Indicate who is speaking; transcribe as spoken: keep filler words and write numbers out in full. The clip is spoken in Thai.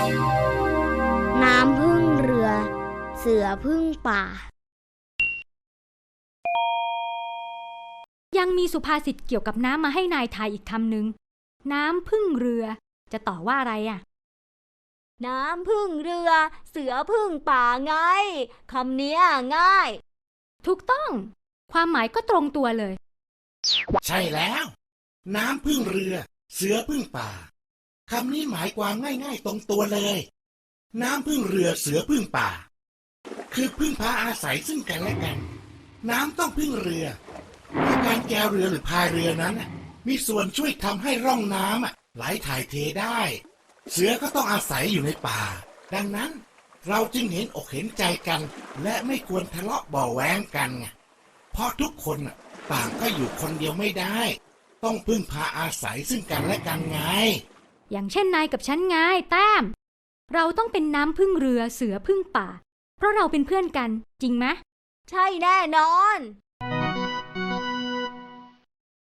Speaker 1: น้ำพึ่งเรือเสือพึ่งป่า
Speaker 2: ยังมีสุภาษิตเกี่ยวกับน้ำมาให้นายทายอีกคำหนึ่งน้ำพึ่งเรือจะต่อว่าอะไรอ่ะ
Speaker 3: น้ำพึ่งเรือเสือพึ่งป่าไงคำเนี้ยง่าย
Speaker 2: ถูกต้องความหมายก็ตรงตัวเลย
Speaker 4: ใช่แล้วน้ำพึ่งเรือเสือพึ่งป่าคำนี้หมายความง่ายๆตรงตัวเลยน้ำพึ่งเรือเสือพึ่งป่าคือพึ่งพาอาศัยซึ่งกันและกันน้ำต้องพึ่งเรือเพราะการแกวเรือหรือพายเรือนั้นมีส่วนช่วยทำให้ร่องน้ำไหลถ่ายเทได้เสือก็ต้องอาศัยอยู่ในป่าดังนั้นเราจึงเห็นอกเห็นใจกันและไม่ควรทะเลาะเบาะแว้งกันไงเพราะทุกคนต่างก็อยู่คนเดียวไม่ได้ต้องพึ่งพาอาศัยซึ่งกันและกันไง
Speaker 2: อย่างเช่นนายกับฉันไงแต้มเราต้องเป็นน้ำพึ่งเรือเสือพึ่งป่าเพราะเราเป็นเพื่อนกันจริงไหม
Speaker 3: ใช่แน่นอน